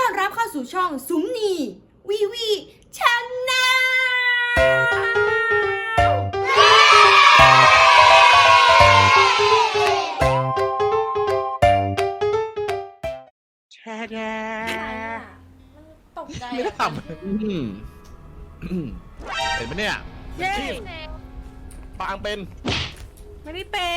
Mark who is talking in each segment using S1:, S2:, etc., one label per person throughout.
S1: อนรับเข้าสู่ช่องสุมนีวีวีชาแนล
S2: แช่
S1: ตกใจ
S2: ไม่ได้ทำเห็นไหมเนี่ย
S3: เย้
S2: ปางเป็น
S3: ไม่ได้เป็น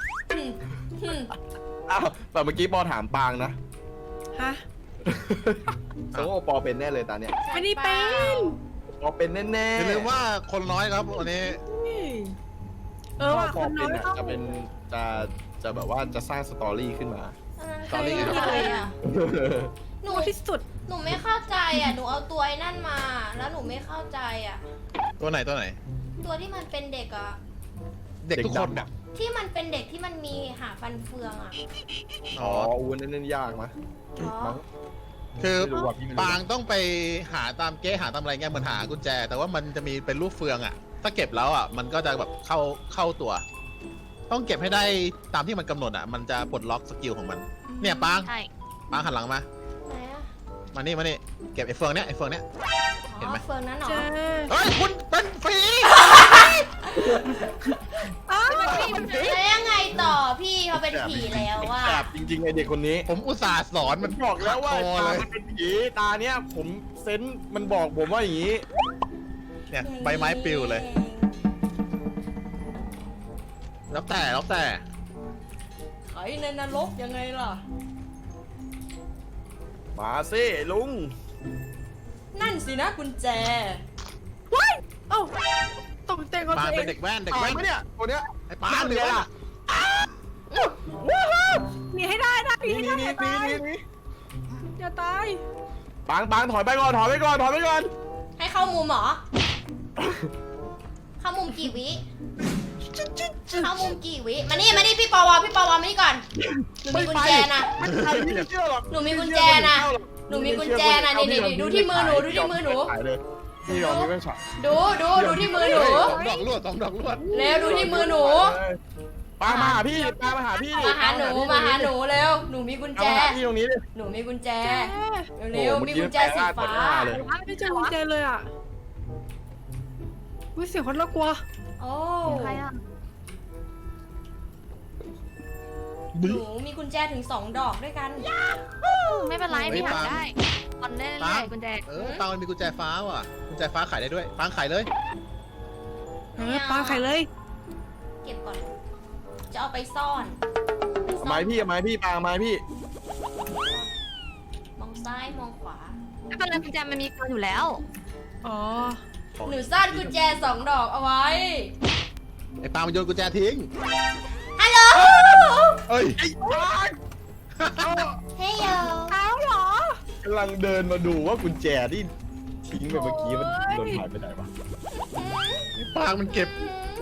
S2: อ้าวแต่เมื่อกี้ปอถามปางนะ
S3: ฮะ
S2: แสดงว่าปอเป็นแน่เลยตาเนี่ย
S3: ไม่ได้เป็น
S2: ปอเป็นแน่ๆ
S4: อย่าลืมว่าคนน้อยครับวันนี้
S3: ว่ะ
S2: ป
S3: ค
S2: อน
S3: น้
S2: เป็
S3: อน ย
S2: อะ
S3: ต้อง
S2: จะเป็นจะแบบว่าจะสร้างสตอรี่ขึ้นมา
S1: ตอนนี้ไงอ่ะหนู
S3: ที่สุด
S1: หนูไม่เข้าใจอ่ะหนูเอาตัวไอ้นั่นมา แล้วหนูไม่เข้าใจอ่ะ
S4: ตัวไหนตัวไหน
S1: ตัวที่มันเป็นเด็กอ่ะ
S4: เด็กทุกคนอ่ะ
S1: ที่มันเป็นเด็กที่มันมีหาฟันเฟืองอ่ะ
S4: อ๋
S2: อ๋
S4: อ
S2: ออูนั่นยากมะ
S1: อ๋อ
S2: มั้ง
S4: คือ
S2: ไม่รู้ว่ะพี่ไม่รู้
S4: ปางต้องไปหาตามเก๊หาตามอะไรเงี้ยเหมือนหากุญแจ แต่ว่ามันจะมีเป็นรูปเฟืองอ่ะ ถ้าเก็บแล้วอ่ะมันก็จะแบบเข้าตัว ต้องเก็บให้ได้ตามที่มันกำหนดอ่ะมันจะปลดล็อกสกิลของมัน เนี่ยปาง
S5: ใช่
S4: ปางหันหลังมา
S1: ไหนอ่ะ
S4: มานี่เก็บไอ้เฟืองเนี้ย เห็นไหม
S1: เฟืองนั้นเหรอ
S3: เจอ
S4: เฮ้ยคุณเป็นฟรี
S3: อ้าว
S1: แล้วยังไงต่อพี่เขาเป็นผีแล้วว่า
S2: แอบจริงๆไอเด็กคนนี้
S4: ผมอุตส่าห์สอนมัน
S2: บอกแล้วว่า
S4: โต
S2: ตา
S4: เลย
S2: มันเป็นผีตาเนี้ยผมเซนส์มันบอกผมว่าอย่างนี้
S4: เนี่ยใบไม้ปลิวเลย แล้วแต่
S1: ไอ้ในนรกยังไงล่ะ
S2: มาสิลุง
S1: นั่นสินะกุญแจ
S3: เอ้าตกใจคน
S4: ปาง
S3: ตัวเอ
S4: เป็น
S3: ง
S4: เด็กแว่น
S2: เห็นไหมเนี่ยคนเนี้ย
S4: ไอ้ปางหรือว่า
S3: หนีให้ได้นะหนี
S2: นี่
S3: ให้
S2: นี่
S3: ได้
S2: นี่
S3: อย่าตาย
S2: นี่
S3: อย่าตาย
S2: ปางถอยไปก่อนถอยไปก่อน
S1: ให้เข้ามุมเหรอ เข้ามุมกี่วิ เข้ามุมกี่วิ มานี่พี่ปวมานี่ก่อน หนูมีกุญแจนะ
S2: ไม่ใช่พี่ไม่เชื่อหรอก
S1: หนูมีกุญแจนะ หนูมีกุญแจนะนี่ดูที่มือหนูดูที่มือหนู
S2: พี่ยอมไม่เป็นช็อต
S1: ดูที่มือหนู
S4: สองดอกลวด
S1: เร็วดูที่มือหนู
S2: ปางมาหาพี่ปางมาหาพี่
S1: มาหาหนูเร็ว หนูมีกุญแจ
S2: มาหาพี่ตรงนี้ดิ
S1: หนูมีกุญแจ
S3: แจ
S1: เร็วมีกุญแจสีฟ้า
S3: ไม่เจอกุญแจเลยอ่ะวิเสียงคนละกลัว
S1: โอ้
S5: ใครอ่ะ
S1: หนูมีกุญแจถึง2 ดอกด้วยกัน
S5: ไม่เป็นไรพี่หาได้ตอนเล่นเรื่อยๆกุญแจ
S4: ปางมันมีกุญแจฟ้าว่ะกุญแจฟ้าขายได้ด้วยปางขายเลย
S3: ปลาไข่เลย
S1: เก็บก่อน จะเอาไปซ่อน
S2: ไม้พี่ปางไม้พี่
S1: มองซ้ายมองขวา
S5: ไม่เป็นไรกุญแจมันมีตัวอยู่แล้ว
S3: อ๋อ
S1: หนูซ่อนกุญแจ2 ดอกเอาไว้
S4: ไอ้ปางมันโยนกุญแจทิ้ง
S1: ฮัลโหล
S4: เอ้ย
S2: ไอ้ปาง
S1: เฮ้ยโย
S3: เอาเหรอก
S2: ำลังเดินมาดูว่ากุญแจที่ทิ้งไปเมื่อกี้มันโดนหายไปไหนวะ
S4: ไอ้ปางมันเก็บ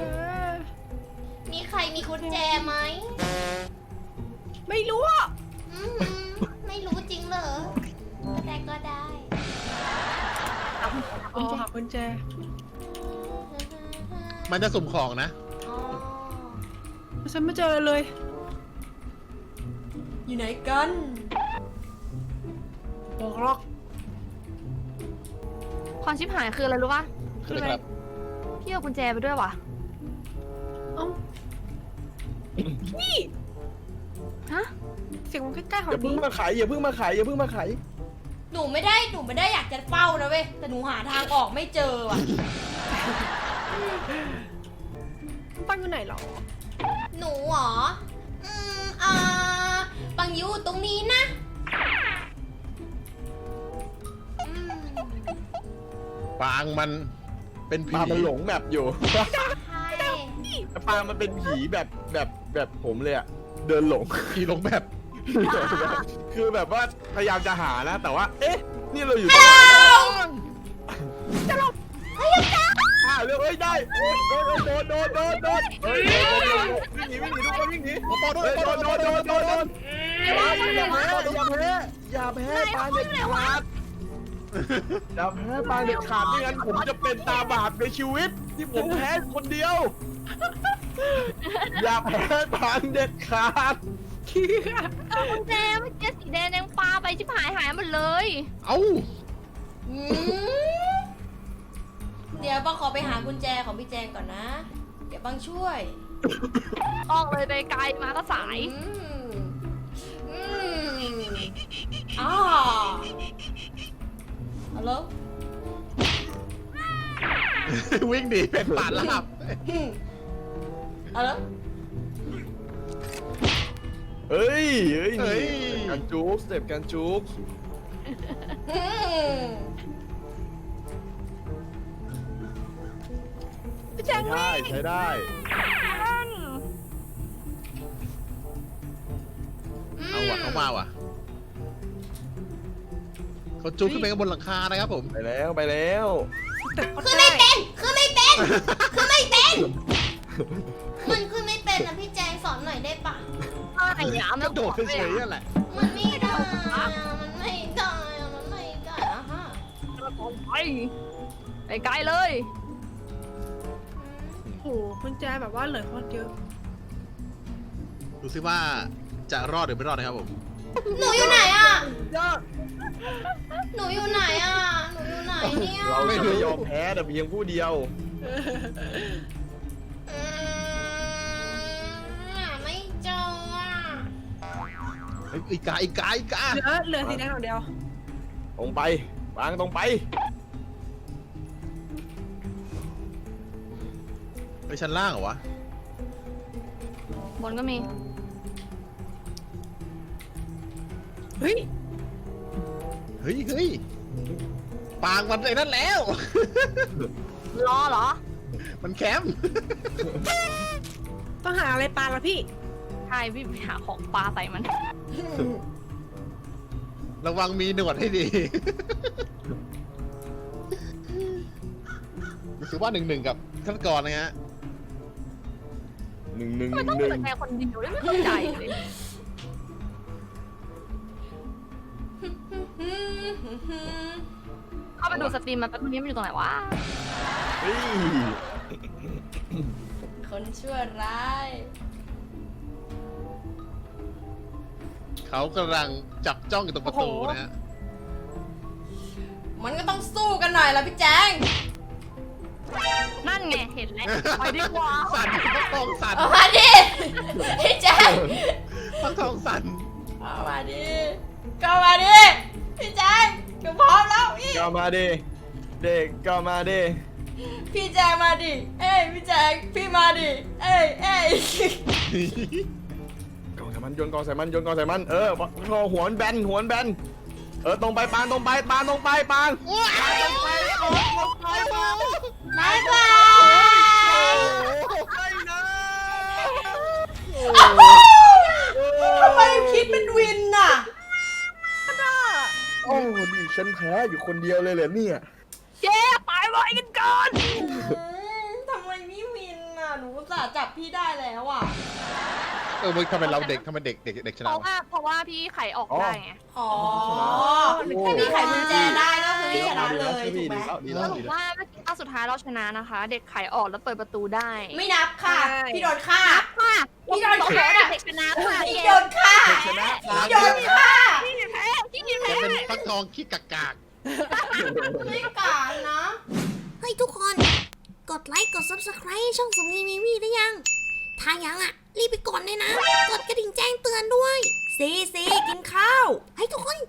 S1: มีใครมีกุญแจไหม
S3: ไม่รู้อ่ะ
S1: ไม่รู้จริงเหรอแต่ก็ได้
S3: อ๋อหากุญแจ
S4: มันจะสุ่มของนะ
S1: อ๋อ
S3: ฉันไม่เจอเลย
S1: อยู่ไหนกัน
S3: บอกหรอก
S5: ความชิบหายคืออะไรรู้ป่ะ
S4: คืออะไรครับ
S5: พี่เอากุญแจไปด้วยว่ะ
S3: เอ้านี่
S5: ฮะ
S3: เสียงมันใกล้ๆขอ
S2: อง ย่าเพิ่ง
S3: นี้
S2: มาขายอย่าเพิ่งมาขาย
S1: หนูไม่ได้อยากจะเฝ้านะเว้ย แต่หนูหาทางออกไม่เจอว่ะ
S3: ตั้งอยู่ไหนหรอ
S1: หนูเหรอ ปังอยู่ตรงนี้นะอืม
S4: ปางมันเป็นผี
S2: ปางมันหลงแมปอยู่
S1: ใช่
S2: ปางมันเป็นผีแบบผมเลยอะเดินหลง
S4: ผีลงแบบ
S2: คือแบบว่าพยายามจะหานะ แต่ว่า เอ๊ะ นี่เราอยู่ตรงไหนจะลงเร็วเอ้ยได้โอ้ยโดนเฮ้ยโดนวิ่งหนีทุกคนวิ่งหนี
S4: โอ้โห
S2: โดนอย่าแพ้ปางเด็ดขาดอย่าแพ้ปางเด็ดขาดไม่งั้นผมจะเป็นตาบาปในชีวิตที่ผมแพ้คนเดียว อย่าแพ้ปางเด็ดขาด
S5: กุญแจเมื่อกี้สีแดงแดงปลาไปชิบหายหมดเลย
S4: เอ้า
S1: อืมเดี๋ยวบังขอไปหากุญแจของพี่แจงก่อนนะ เดี๋ยวบังช่วย
S5: ออกเลยไปไกลมาก็สาย
S1: อืมอ่าฮัลโหล
S4: วิ่งหนีเป็นป่าลาบ
S1: ฮัลโหล
S2: เฮ้ยเฮ้ย
S4: เฮ้ย
S2: การจุกสเต็ปการจุก
S1: อืม
S3: พี่แจง
S2: ใช้ได้ใช้ได้
S4: เอาว่ะเขามาว่ะเขาจุกขึ้นไปข้างบนหลังคานะครับผม
S2: ไปแล้วไปแล้ว
S3: แต่เขา
S1: คือ
S3: ได้
S1: ไม่เป็น คือไม่เป็น คือไม่เป็น มันคือไม่เป็นนะพี่แจงสอนหน่อยได้ปะ
S5: อะไรอย่าง
S4: ก
S5: นั้
S4: ระโดดเฉยๆนั่นแหละ
S1: มันไม่ได้อะมันไม่ได้อะมันไม่ได้อะฮะ
S5: ไปไกลเลย
S3: โอ้โหคุณแจแบบว่าเหลือคนเยอะ
S4: ดูซิว่าจะรอดหรือไม่รอดนะครับผม
S1: หนูอยู่ไหนอะ
S3: ยอด
S1: หนูอยู่ไหนอะหนูอยู่ไหนเนี่ย
S2: เราจะไม่ยอมแพ้แต่เพียงผู้เดียว
S1: อืมไม่เจออะ
S4: เฮ้ยอีกา
S3: เหลือสีแดงอย่างเดียว
S2: ตรงไปวางตรงไป
S4: ไปชั้นล่างเหรอวะ
S5: บนก็มี
S3: เฮ้ย
S4: เฮ้ยปางมันไอ้นั่นแล้ว
S5: รอเหรอ
S4: มันแคมป์
S3: ต้องหาอะไรปลาละพี่
S5: ใช่พี่ไปหาของปลาใส่มัน
S4: ระวังมีหนวดให้ดีรู้สึกว่า1-1กับฆาตกรนะฮะ
S2: หนึ่งหนึ่ง
S5: ทำไมต้อง
S2: หนึ่ง
S5: เป็นแค่คนเดียวด้วยไม่เข้าใจเลย เข้าไปดูสตรีมมันแป๊บนึงมันอยู่ตรงไหนวะ
S2: เฮ้ย
S1: คนชั่วร้าย
S4: เขากำลังจับจ้องอยู่ตรงประตูนะฮะ
S1: มันก็ต้องสู้กันหน่อยละพี่แจง
S5: นั่นไงเห็นแล้วไปดีกว่า
S4: สั่นฟักทองสั่น
S1: เอามาดิ พี่แจง
S4: ฟักทองสั่น
S1: เอามาดิก็มาดิ พี่แจงหนูพร้อมแล้วพี่
S2: ก็มาดิเด็กก็มาดิ
S1: พี่แจงมาดิ เอ้ยพี่แจงพี่มาดิ เอ้ย
S2: กองใส่มันโยนกองใส่มันโยนกองใส่มันพอหัวมันแบนหัวมันแบนตรงไปปานตรงไปปานตรงไปปานตรงไปตรงไปปาน
S1: บายบาย
S2: ไม่นะ
S1: ทำไมคิดเป็นวินน่ะ
S2: โอ้ดิฉันแพ้อยู่คนเดียวเลยเหรอเนี่ย
S5: เจ๊ตายไว้กันก่อน
S1: ทำไมพี่วินน่ะ หนูอุตส่าห์จับพี่ได้แล้วอ่ะ
S4: มึงทำไมเราเด็กทำไมเด็กช
S5: เพ
S4: นะ
S5: ราะว่าพี่ไขออกได้ไง
S1: อ๋อถ้าพี่ไขกุญแจได้ก็คือพี่ชนะเลยถูกไหม
S2: ดี
S5: ส
S2: แล้ว
S5: รุ
S2: ดี
S5: ป
S2: แล้ว
S5: ว่าเมื่อกี้ตอนสุดท้ายเราชนะนะคะ เด็กไขออกแล้วเปิดประตูได้
S1: ไม่นับค่ะ พี่โดนฆ่า
S5: ค่ะ
S1: พี่โดน
S5: บอก
S1: ฆ่า
S5: ว่าเด็กชนะค่ะ
S1: พี่โดนฆ่า
S2: ชนะ
S1: พี่โดนฆ่า
S5: พี่แพ้พี่แพ้
S4: จะเป็นฟักทองขี้กาก
S1: ไม่กล้านะ
S6: เฮ้ยทุกคน กดไลค์ กด Subscribe ให้ช่องสมนีมีวีได้ยัง ถ้ายังอ่ะ รีบไปกดเลยนะ กดกระดิ่งแจ้งเตือนด้วยซีกินข้าว ให้ทุกคน